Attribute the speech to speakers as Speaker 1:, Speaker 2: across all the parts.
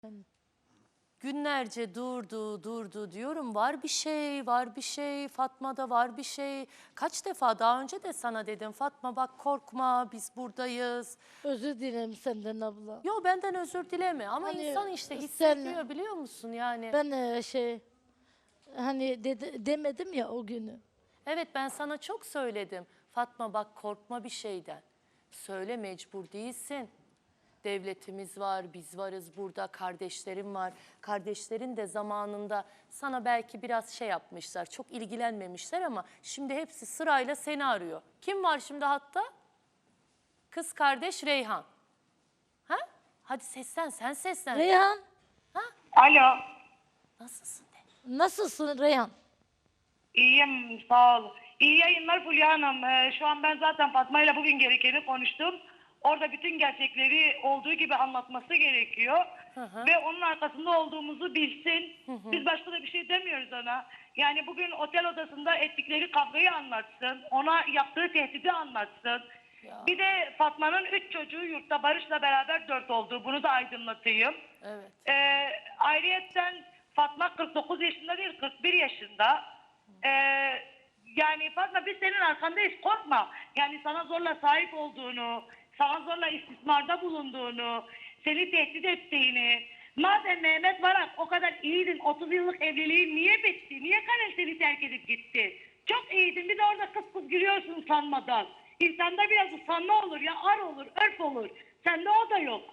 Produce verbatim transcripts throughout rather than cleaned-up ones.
Speaker 1: Günlerce durdu, durdu diyorum. Var bir şey, var bir şey. Fatma'da var bir şey. Kaç defa daha önce de sana dedim. Fatma bak korkma, biz buradayız.
Speaker 2: Özür dilerim senden abla.
Speaker 1: Yo benden özür dileme ama
Speaker 2: Hani
Speaker 1: insan işte
Speaker 2: sen-
Speaker 1: hissediyor biliyor musun yani.
Speaker 2: Ben e, şey hani dedi, demedim ya o günü.
Speaker 1: Evet ben sana çok söyledim. Fatma bak korkma bir şeyden. Söyle mecbur değilsin. Devletimiz var, biz varız burada, kardeşlerim var. Kardeşlerin de zamanında sana belki biraz şey yapmışlar, çok ilgilenmemişler ama şimdi hepsi sırayla seni arıyor. Kim var şimdi hatta? Kız kardeş Reyhan. Ha? Hadi seslen, sen seslen.
Speaker 2: Reyhan
Speaker 1: Ha?
Speaker 3: Alo.
Speaker 1: Nasılsın de?
Speaker 2: nasılsın Reyhan?
Speaker 3: İyiyim, sağ ol. İyi yayınlar Fulya Hanım. Ee, şu an ben zaten Fatma ile bugün gerekeni konuştum. Orada bütün gerçekleri olduğu gibi anlatması gerekiyor.
Speaker 1: Hı hı.
Speaker 3: Ve onun arkasında olduğumuzu bilsin.
Speaker 1: Hı hı.
Speaker 3: Biz başka da bir şey demiyoruz ona. Yani bugün otel odasında ettikleri kavgayı anlatsın. Ona yaptığı tehdidi anlatsın.
Speaker 1: Ya.
Speaker 3: Bir de Fatma'nın üç çocuğu yurtta Barış'la beraber dört olduğu. Bunu da aydınlatayım.
Speaker 1: Evet.
Speaker 3: Ee, ayrıyetten Fatma kırk dokuz yaşında değil kırk bir yaşında. Ee, yani Fatma biz senin arkandayız, korkma. Yani sana zorla sahip olduğunu, sana zorla istismarda bulunduğunu, seni tehdit ettiğini. Madem Mehmet Varak o kadar iyiydin, otuz yıllık evliliğin niye bitti? Niye Karel seni terk edip gitti? Çok iyiydin, bir de orada kıs kıs gülüyorsun usanmadan. İnsanda biraz usanma olur ya, ar olur, örf olur. Sende o da yok.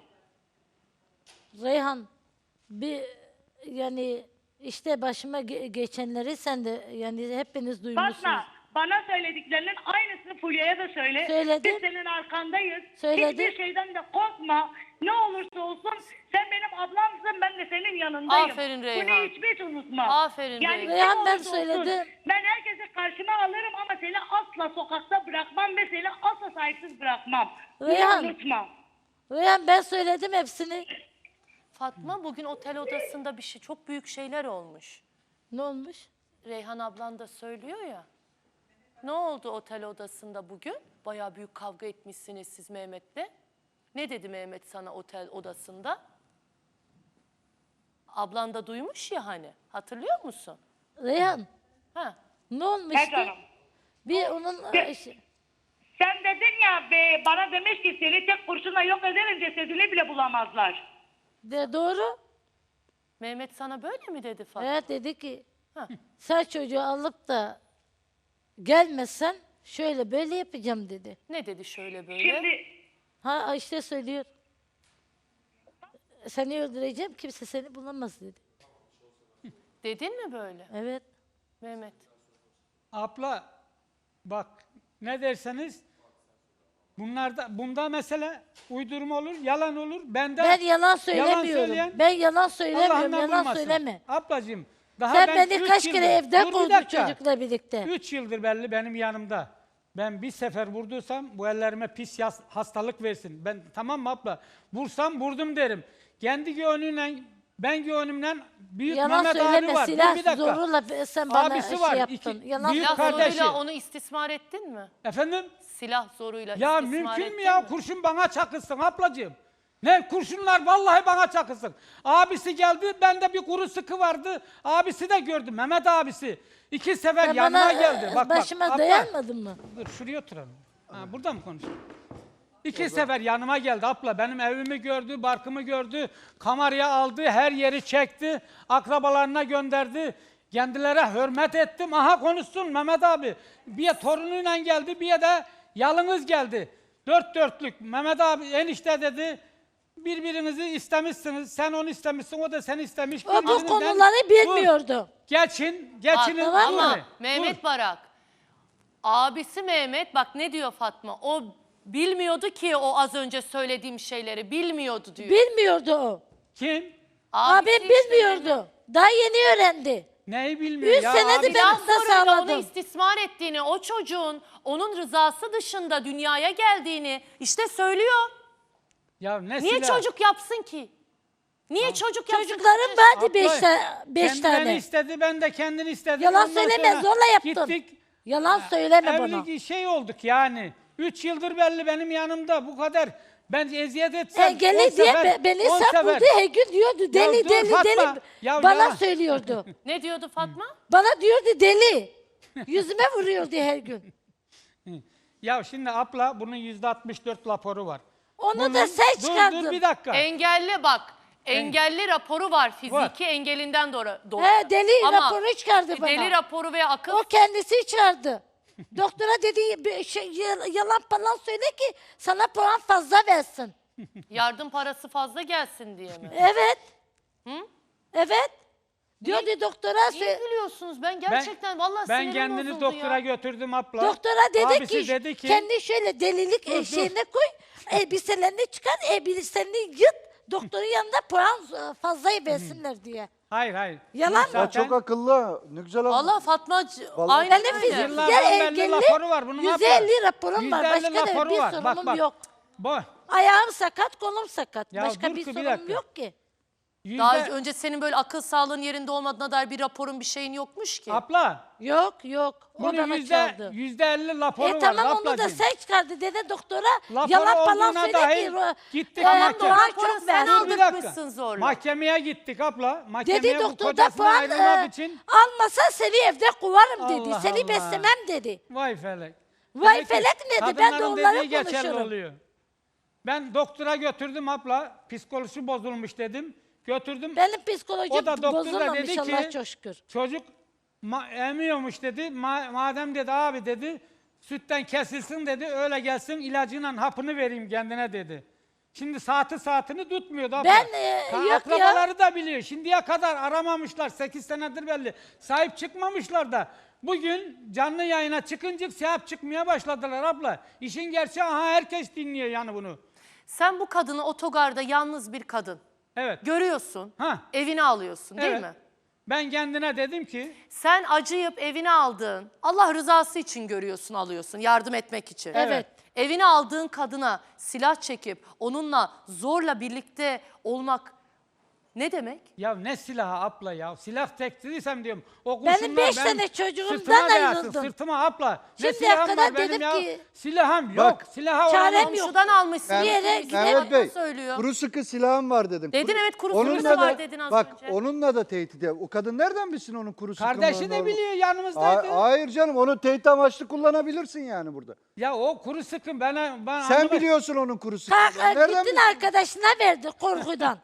Speaker 2: Reyhan bir yani işte başıma ge- geçenleri sen de yani hepiniz duymuşsunuz.
Speaker 3: Fatma, bana söylediklerinin aynısını Fulya'ya da söyle.
Speaker 2: Söyledim.
Speaker 3: Biz senin arkandayız.
Speaker 2: Söyledim.
Speaker 3: Hiçbir şeyden de korkma. Ne olursa olsun sen benim ablamsın, ben de senin yanındayım.
Speaker 1: Aferin Reyhan.
Speaker 3: Bunu hiçbir hiç unutma.
Speaker 1: Aferin
Speaker 3: yani
Speaker 1: Reyhan.
Speaker 3: kim
Speaker 2: Reyhan, ben
Speaker 3: olursa olsun,
Speaker 2: söyledim.
Speaker 3: Ben herkese karşıma alırım ama seni asla sokakta bırakmam ve seni asla sahipsiz bırakmam.
Speaker 2: Reyhan.
Speaker 3: Bunu unutma.
Speaker 2: Reyhan ben söyledim hepsini.
Speaker 1: Fatma bugün otel odasında bir şey, çok büyük şeyler olmuş.
Speaker 2: Ne olmuş?
Speaker 1: Reyhan ablan da söylüyor ya. Ne oldu otel odasında bugün? Bayağı büyük kavga etmişsiniz siz Mehmet'le. Ne dedi Mehmet sana otel odasında? Ablan da duymuş ya hani. Hatırlıyor musun?
Speaker 2: Reyhan
Speaker 1: Ha.
Speaker 2: ne olmuştu?
Speaker 3: Ne canım?
Speaker 2: Bir onun e, şey-
Speaker 3: Sen dedin ya be, bana demiş ki seni tek kurşunla yok ederim, cesedini bile bulamazlar.
Speaker 2: de doğru.
Speaker 1: Mehmet sana böyle mi dedi Fatma?
Speaker 2: Evet dedi ki
Speaker 1: Ha.
Speaker 2: sen çocuğu alıp da gelmezsen şöyle böyle yapacağım dedi.
Speaker 1: Ne dedi şöyle böyle?
Speaker 3: Şimdi
Speaker 2: Ha işte söylüyor. Seni öldüreceğim kimse seni bulamaz dedi.
Speaker 1: Dedin mi böyle
Speaker 2: Evet.
Speaker 1: Mehmet?
Speaker 4: Abla bak ne derseniz bunlarda bunda mesele uydurma olur, yalan olur. Bende
Speaker 2: Ben yalan söylemiyorum.
Speaker 4: söyleyen
Speaker 2: ben yalan söylemiyorum.
Speaker 4: Allah'ından
Speaker 2: Yalan
Speaker 4: bulmasın.
Speaker 2: söyleme.
Speaker 4: Ablacığım daha
Speaker 2: Sen
Speaker 4: ben
Speaker 2: beni
Speaker 4: üç
Speaker 2: kaç kere
Speaker 4: yıldır-
Speaker 2: evden
Speaker 4: Dur bir
Speaker 2: kovdun
Speaker 4: dakika.
Speaker 2: çocukla birlikte.
Speaker 4: Üç yıldır belli benim yanımda. Ben bir sefer vurduysam bu ellerime pis yas- hastalık versin. Ben tamam mı abla? Vursam vurdum derim. Kendi gönlüyle ben gönlümle büyük
Speaker 2: Yalan
Speaker 4: Mehmet abi
Speaker 2: söyleme.
Speaker 4: var. Dur
Speaker 2: Silah
Speaker 4: bir dakika.
Speaker 2: zoruyla sen bana
Speaker 4: Abisi
Speaker 2: şey
Speaker 4: var,
Speaker 2: yaptın.
Speaker 4: iki-
Speaker 2: Yalan
Speaker 4: büyük
Speaker 1: Silah
Speaker 4: kardeşi.
Speaker 1: zoruyla onu istismar ettin mi?
Speaker 4: Efendim?
Speaker 1: Silah zoruyla
Speaker 4: Ya
Speaker 1: istismar
Speaker 4: mümkün
Speaker 1: ettin
Speaker 4: mü ya?
Speaker 1: mi?
Speaker 4: Kurşun bana çakılsın ablacığım. Ne kurşunlar vallahi bana çakılsın. Abisi geldi, bende bir kuru sıkı vardı. Abisi de gördüm, Mehmet abisi. İki sefer
Speaker 2: Sen
Speaker 4: yanıma
Speaker 2: bana
Speaker 4: geldi. Bak
Speaker 2: başıma
Speaker 4: bak. abla.
Speaker 2: dayanmadın mı?
Speaker 4: Dur şuraya oturalım. Ha, burada mı konuşalım? İki sefer yanıma geldi abla. Benim evimi gördü, barkımı gördü. Kameraya aldı, her yeri çekti. Akrabalarına gönderdi. Kendilere hürmet ettim. Aha konuşsun Mehmet abi. Bir torunuyla geldi, bir de yalınız geldi. Dört dörtlük. Mehmet abi enişte dedi. Birbirinizi istemişsiniz. Sen onu istemişsin, o da seni istemiş.
Speaker 2: O bu
Speaker 4: Birbirinizden-
Speaker 2: konuları
Speaker 4: Dur,
Speaker 2: bilmiyordu.
Speaker 4: Geçin, geçinin.
Speaker 1: Bak,
Speaker 2: tamam
Speaker 1: ama
Speaker 2: mı?
Speaker 1: Mehmet Barak, abisi Mehmet bak ne diyor Fatma? O bilmiyordu ki o az önce söylediğim şeyleri bilmiyordu diyor.
Speaker 2: Bilmiyordu o.
Speaker 4: Kim?
Speaker 2: Abim
Speaker 1: Abisi işte
Speaker 2: bilmiyordu. Daha yeni öğrendi.
Speaker 4: Neyi bilmiyor
Speaker 2: Üç
Speaker 4: ya?
Speaker 2: senedir
Speaker 4: abi?
Speaker 2: ben-
Speaker 1: Silah
Speaker 2: Nasıl
Speaker 1: zoruyla onu
Speaker 2: sağladım?
Speaker 1: istismar ettiğini, o çocuğun onun rızası dışında dünyaya geldiğini işte söylüyor.
Speaker 4: Ya ne
Speaker 1: Niye
Speaker 4: silah?
Speaker 1: çocuk yapsın ki? Niye çocuk yapsın?
Speaker 2: Çocuklarım
Speaker 1: Kaç
Speaker 2: vardı
Speaker 4: Abla,
Speaker 2: beş, ta- beş
Speaker 4: kendi
Speaker 2: tane.
Speaker 4: beni istedi, ben de kendini istedim.
Speaker 2: Yalan
Speaker 4: Ondan
Speaker 2: söyleme,
Speaker 4: sonra
Speaker 2: zorla yaptın.
Speaker 4: Gittik.
Speaker 2: Yalan söyleme bana.
Speaker 4: Evlilik şey olduk yani. Üç yıldır belli benim yanımda. Bu kadar Ben eziyet etsem on
Speaker 2: Engelli diye
Speaker 4: sefer,
Speaker 2: be- beni
Speaker 4: on
Speaker 2: sapıldı
Speaker 4: sefer-
Speaker 2: her gün diyordu. Deli
Speaker 4: dur
Speaker 2: deli
Speaker 4: Fatma,
Speaker 2: deli.
Speaker 4: ya
Speaker 2: Bana
Speaker 4: yalan.
Speaker 2: söylüyordu.
Speaker 1: Ne diyordu Fatma?
Speaker 2: Bana diyordu deli. Yüzüme vuruyordu her gün.
Speaker 4: Ya şimdi abla bunun yüzde altmış dört raporu var.
Speaker 2: Onu
Speaker 4: Bunun-
Speaker 2: da sen
Speaker 4: Dur
Speaker 2: çıkardın.
Speaker 4: dur bir dakika.
Speaker 1: Engelli bak. Engelli raporu var fiziki
Speaker 4: Var.
Speaker 1: engelinden dolayı.
Speaker 2: He, deli
Speaker 1: Ama
Speaker 2: raporu çıkardı bana.
Speaker 1: Deli raporu veya akıl
Speaker 2: O kendisi çıkardı. Doktora dedi bir şey, y- yalan falan söyle ki sana puan fazla versin.
Speaker 1: yardım parası fazla gelsin diye mi?
Speaker 2: Evet. Evet. Diyordu doktora.
Speaker 1: Niye
Speaker 2: sö-
Speaker 1: gülüyorsunuz? Ben gerçekten vallahi
Speaker 4: Ben
Speaker 1: sinirim
Speaker 4: kendini
Speaker 1: bozuldu
Speaker 4: doktora
Speaker 1: ya.
Speaker 4: götürdüm abla.
Speaker 2: Doktora dedi
Speaker 4: Abisi
Speaker 2: ki,
Speaker 4: dedi ki
Speaker 2: kendi şöyle delilik
Speaker 4: Dur, dur.
Speaker 2: şeyine koy. Elbiselerini çıkar, elbiselerini yırt. Doktorun yanında puan e, fazla versinler diye.
Speaker 4: hayır hayır.
Speaker 2: Yalan
Speaker 4: Bunun
Speaker 2: mı?
Speaker 5: Ya
Speaker 4: zaten-
Speaker 5: çok akıllı. Ne güzel ama.
Speaker 1: Valla Fatma
Speaker 5: Vallahi-
Speaker 1: aynen
Speaker 2: Benim
Speaker 1: öyle.
Speaker 2: fiziksel
Speaker 4: Yıllardan belli
Speaker 2: engelli
Speaker 4: raporu var bunun
Speaker 2: yüz
Speaker 4: abla.
Speaker 2: elli raporum var.
Speaker 4: yüzde elli
Speaker 2: Başka da
Speaker 4: raporu
Speaker 2: bir
Speaker 4: var.
Speaker 2: sorunum
Speaker 4: Bak, bak.
Speaker 2: yok.
Speaker 4: Bu
Speaker 2: Ayağım sakat, kolum sakat.
Speaker 4: Ya
Speaker 2: Başka
Speaker 4: dur
Speaker 2: bir
Speaker 4: ki, bir
Speaker 2: sorunum
Speaker 4: dakika.
Speaker 2: yok ki.
Speaker 4: yüzde...
Speaker 1: Daha önce senin böyle akıl sağlığın yerinde olmadığına dair bir raporun bir şeyin yokmuş ki.
Speaker 4: Abla
Speaker 2: Yok yok. O
Speaker 4: bunun
Speaker 2: bana
Speaker 4: yüzde,
Speaker 2: çaldı.
Speaker 4: yüzde elli raporu
Speaker 2: E
Speaker 4: var
Speaker 2: tamam onu da
Speaker 4: ablacığım.
Speaker 2: sen çıkardı dedi doktora.
Speaker 4: Raporu
Speaker 2: Yalan falan
Speaker 4: olduğuna
Speaker 2: söyle
Speaker 4: dair
Speaker 2: ki. ro-
Speaker 4: gittik
Speaker 2: e,
Speaker 1: Tamam
Speaker 4: mahkeme-
Speaker 1: da o
Speaker 2: puan
Speaker 1: raporu
Speaker 2: çok
Speaker 1: sen
Speaker 2: verdi.
Speaker 4: Bir dakika.
Speaker 1: aldırtmışsın zorla.
Speaker 4: Mahkemeye gittik abla. Mahkemeye
Speaker 2: Dedi
Speaker 4: bu
Speaker 2: doktor da
Speaker 4: kocasına
Speaker 2: puan
Speaker 4: ayrılmak
Speaker 2: e,
Speaker 4: için.
Speaker 2: almasa seni evde kovarım dedi.
Speaker 4: Allah
Speaker 2: Seni
Speaker 4: Allah.
Speaker 2: beslemem dedi.
Speaker 4: Vay felek.
Speaker 2: Vay
Speaker 4: Demek ki
Speaker 2: felek nedir? Ben de
Speaker 4: kadınların
Speaker 2: onları
Speaker 4: dediği geçerli
Speaker 2: konuşurum.
Speaker 4: oluyor. Ben doktora götürdüm abla. Psikolojisi bozulmuş dedim. Götürdüm.
Speaker 2: Benim psikolojim
Speaker 4: O da doktor da
Speaker 2: bozulmamış
Speaker 4: dedi ki,
Speaker 2: Allah'a çok şükür.
Speaker 4: Çocuk ma- emiyormuş dedi. Ma- madem dedi abi dedi sütten kesilsin dedi. Öyle gelsin ilacıyla hapını vereyim kendine dedi. Şimdi saati saatini tutmuyordu abla.
Speaker 2: Ben, e,
Speaker 4: Ha,
Speaker 2: yok ya.
Speaker 4: akrabaları da biliyor. Şimdiye kadar aramamışlar. sekiz senedir belli. Sahip çıkmamışlar da. Bugün canlı yayına çıkınca sahip çıkmaya başladılar abla. İşin gerçeği aha herkes dinliyor yani bunu.
Speaker 1: Sen bu kadını otogarda yalnız bir kadın
Speaker 4: Evet.
Speaker 1: görüyorsun.
Speaker 4: Ha.
Speaker 1: Evine alıyorsun değil
Speaker 4: Evet.
Speaker 1: mi?
Speaker 4: Ben kendine dedim ki
Speaker 1: Sen acıyıp evine aldığın, Allah rızası için görüyorsun, alıyorsun, yardım etmek için.
Speaker 2: Evet.
Speaker 1: Evine aldığın kadına silah çekip onunla zorla birlikte olmak ne demek?
Speaker 4: ya ne silahı abla ya? Silah tektiysem diyorum. O
Speaker 2: Benim
Speaker 4: kurşunlar
Speaker 2: beş
Speaker 4: benim
Speaker 2: tane çocuğumdan
Speaker 4: sırtıma değersin,
Speaker 2: ayrıldım.
Speaker 4: Sırtıma abla. Ne
Speaker 2: Şimdiye
Speaker 4: silahım
Speaker 2: kadar
Speaker 4: var benim
Speaker 2: dedim
Speaker 4: ya?
Speaker 2: ki-
Speaker 4: Silahım yok.
Speaker 5: Bak,
Speaker 4: Silaha
Speaker 2: çarem
Speaker 4: oynamam.
Speaker 2: yok.
Speaker 1: Komşudan almışsın.
Speaker 2: Bir yere
Speaker 1: Yere
Speaker 2: gidemem.
Speaker 5: Mehmet Bey,
Speaker 1: söylüyor.
Speaker 5: kuru sıkı silahım var dedim.
Speaker 1: Dedin,
Speaker 5: Kuru-
Speaker 1: evet, kuru
Speaker 5: Onunla
Speaker 1: sıkısı var
Speaker 5: da-
Speaker 1: dedin az
Speaker 5: bak,
Speaker 1: önce.
Speaker 5: onunla da tehdit ediyor. O kadın nereden bilsin onun kuru sıkı
Speaker 4: Kardeşi
Speaker 5: mı,
Speaker 4: de
Speaker 5: normal-
Speaker 4: biliyor
Speaker 5: Ha-
Speaker 4: yanımızdaydı.
Speaker 5: Hayır canım, onu tehdit amaçlı kullanabilirsin yani burada.
Speaker 4: Ya o kuru sıkın bana ben
Speaker 5: Sen
Speaker 4: anlamadım.
Speaker 5: biliyorsun onun kuru sıkı.
Speaker 2: Kalk,
Speaker 5: Nereden
Speaker 2: gittin
Speaker 5: bilsin?
Speaker 2: arkadaşına verdi korkudan.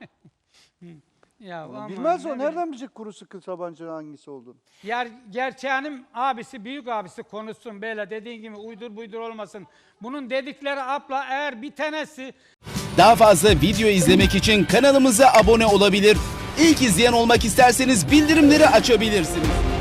Speaker 4: Ya aman,
Speaker 5: Bilmez
Speaker 4: ne
Speaker 5: o.
Speaker 4: bileyim.
Speaker 5: Nereden bilecek kuru sıkı tabancanın hangisi olduğunu?
Speaker 4: Yer, gerçeğinin abisi, büyük abisi konuşsun böyle dediğin gibi uydur buydur olmasın. Bunun dedikleri abla eğer bir tanesi
Speaker 6: Daha fazla video izlemek için kanalımıza abone olabilir. İlk izleyen olmak isterseniz bildirimleri açabilirsiniz.